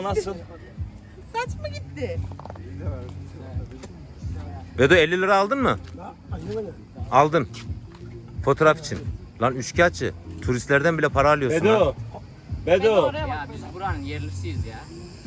Nasıl? Saç mı gitti? Vedo 50 lira aldın mı? Aldın. Fotoğraf için. Lan üçkağıtçı. Turistlerden bile para alıyorsun ha. Bedo. Bedo. Ya biz buranın yerlisiyiz ya.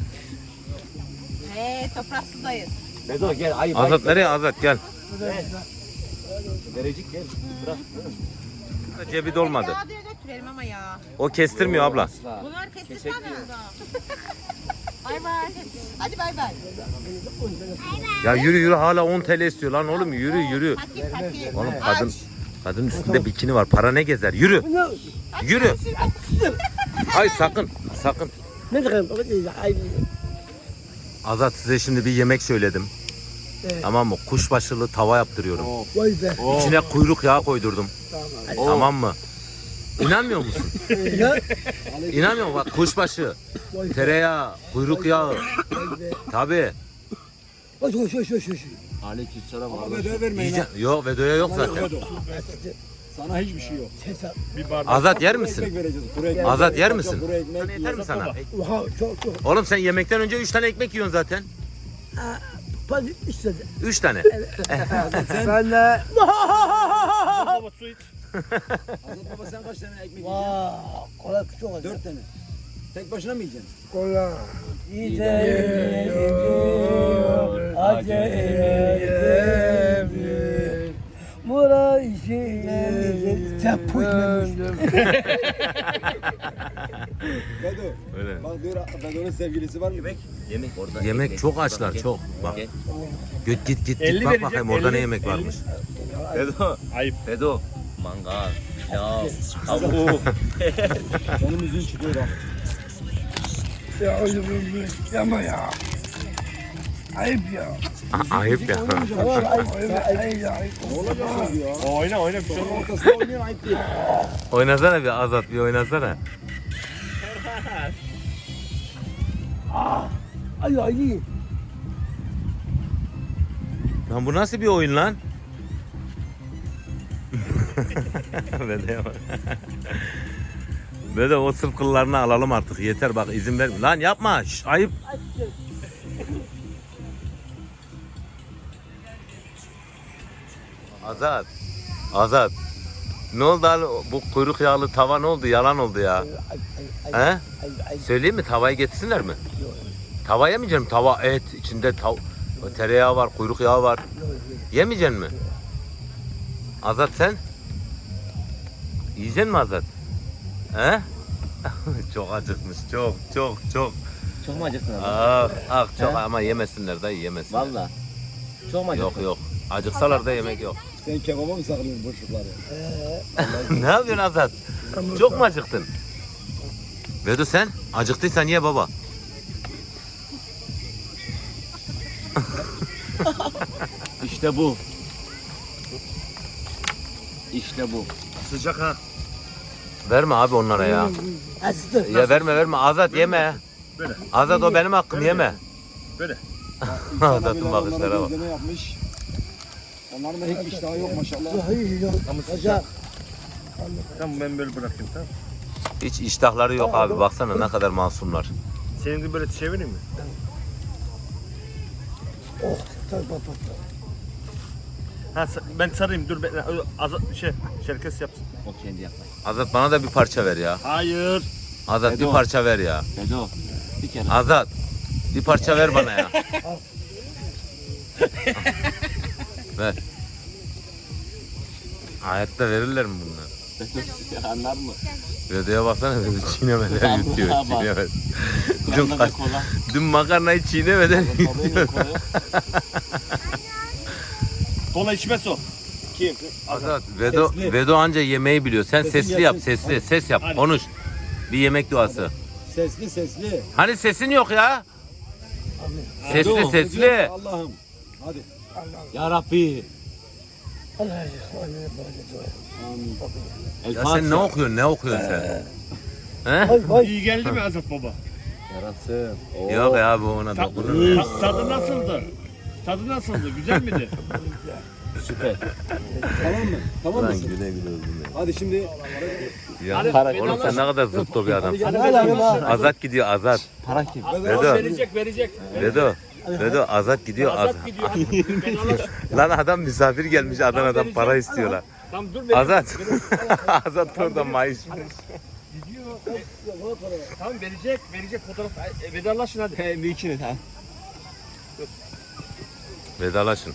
Toprak sudayız. Bedo gel. Ayıp. Azat nereye? Azat gel. Verecek gel. Bırak. Cebi dolmadı. Ya diye götürelim ama ya. O kestirmiyor abla. Bunlar kestirsen mi? Bay bay. Hadi bay bay. Ya yürü yürü hala 10 TL istiyor lan oğlum yürü yürü. Fakir. Oğlum kadın üstünde bikini var. Para ne gezer? Yürü. Yürü. Ay sakın. Sakın. Azat size şimdi bir yemek söyledim. Tamam mı? Kuşbaşılı tava yaptırıyorum. Vay be. İçine kuyruk yağı koydurdum. Tamam mı? İnanmıyor musun? İnanmıyor musun? Bak kuşbaşı, tereyağı, kuyruk yağı. Tabii. Aleykümselam. Bedava vermeyin ha. Yiyeceksin. Yok Vedo'ya yok zaten. Sana hiçbir şey yok. Azat yer Ekmek misin? vereceğiz. Kuru ekmek. Azat yer misin? Kuru ekmek. Yeter mi sana? Oha çok. Oğlum sen yemekten önce 3 tane ekmek yiyorsun zaten. Fazla istedi. 3 tane. Ben de. Baba su iç. Azat baba sen kaç tane ekmek yiyeceksin? Vaa. Kola çok az. 4 tane. Tek başına mı yiyeceksin? Kola. Yiyeceğim. Acayip. Mura işi. Sen puşmemiş. Bedo. Öyle. Bak diyor Bedo'nun sevgilisi var mı? Yemek orada. Yemek çok açlar çok. Bak. Git 50 bak verecek, bakayım orada 50, ne yemek 50. varmış. Bedo. Ayıp. Bedo. Mangal. Pilav. Tavuk. Benim yüzün çıkıyor bak. Ya oğlum yapma ya. Ayıp ya. Ayıp ya. Ayıp ya. Ne olacak ya? Oyna bir şey olmaz. Ortasında oynayan ayıp değil. Oynasana bir Azat bir oynasana. Ay ay. Lan bu nasıl bir oyun lan? Vedo'ya bak. Vedo o sırf kıllarını alalım artık yeter bak izin ver. Lan yapma şş, ayıp. Azat. Ne oldu abi bu kuyruk yağlı tava ne oldu yalan oldu ya. He? Söyleyeyim mi tavayı getirsinler mi? Tava yemeyeceğim tava et içinde tereyağı var kuyruk yağı var. Yemeyeceksin mi? Azat sen? Yiyeceksin mi Azat? He? Çok acıkmış çok. Çok mu acıktın abi? Çok He? ama yemesinler dayı yemesinler. Valla. Çok mu acıktın? Yok. Acıksalar da yemek yok. Sen kebaba mı saklıyorsun boşlukları? Ne yapıyorsun Azat? Çok mu acıktın? Vedo sen? Acıktıysan ye baba. İşte bu. İşte bu. Sıcak ha. Verme abi onlara ya. Aslı. Ya verme Azat yeme. Böyle. Azat o benim hakkım yeme. Böyle. Azat'ın bakışlara bak. Gözleme yapmış. Onların da hiç iştahı yok maşallah. Hayır yok. Ama sıcak. Tamam ben böyle bırakayım tamam. Hiç iştahları yok abi baksana ne kadar masumlar. Senin de böyle çevireyim mi? Oh. Tamam. Ha ben sarayım dur ben Şerkes yapsın. O kendi yapmayı. Azat bana da bir parça ver ya. Hayır. Azat bir Bedo. parça ver ya. Bedo. Bir kere. Azat bir parça ver bana ya. Ver. Hayatta verirler mi bunlar? Anlar mı? Vedo'ya baksana Vedo çiğnemeden yutuyor. Vallahi bak. Çiğnemeden. Yanında da kola. Dün makarnayı çiğnemeden yutuyor. Kola içmez o. Kim? Azat Sesli. Vedo anca yemeği biliyor. Sen Sesin sesli yap gelsin. sesli. Ses yap Hadi. konuş. Bir yemek duası. Sesli. Hani sesin yok ya? Sesli Vedo. sesli. Allah'ım. Hadi. Ya Rabbi. Allah Amin. Ya sen ne okuyorsun sen? He? Vay. İyi geldi mi Azat baba? Yarasın. Yok ya bu ona dokunur. Tadı nasıldı? Tadı nasıldı? Güzel miydi? Süper. Tamam mı? Tamam Lan mısın? güle güle öldüm ya. Hadi şimdi Ya Hadi, para beni oğlum sen ne kadar zıttı bir adamsın. Hadi hadi bak. Azat gidiyor Azat. Para kim? Vedo. Verecek. Vedo Azat gidiyor Azat. Azat gidiyor. Hadi vedalaş. Lan adam misafir gelmiş Adana'dan para istiyorlar. Tamam dur vereceğim. Azat. Azat oradan maaş. Tamam verecek fotoğraf. Vedalaşın hadi. He bir ikiniz ha. Vedalaşın.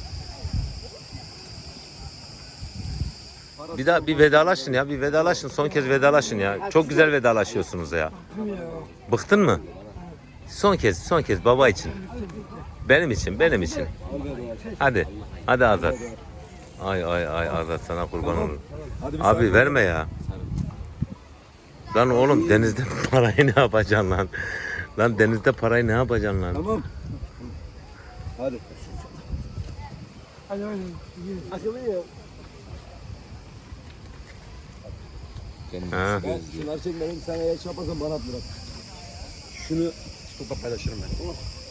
Bir daha bir vedalaşın ya. Bir vedalaşın. Son kez vedalaşın ya. Çok güzel vedalaşıyorsunuz ya. Bıktın mı? Son kez baba için. Benim için. Hadi. Hadi Azat. Ay Azat sana kurban olur. Abi verme ya. Lan oğlum denizde parayı ne yapacaksın lan? Lan denizde parayı ne yapacaksın lan? Tamam. Hadi. Hadi hadi. Akıllı. Ha. Ben şunları çekmedim. Sen eğer şey yaparsan bana at bırak. Şunu Kupa paylaşırım ben.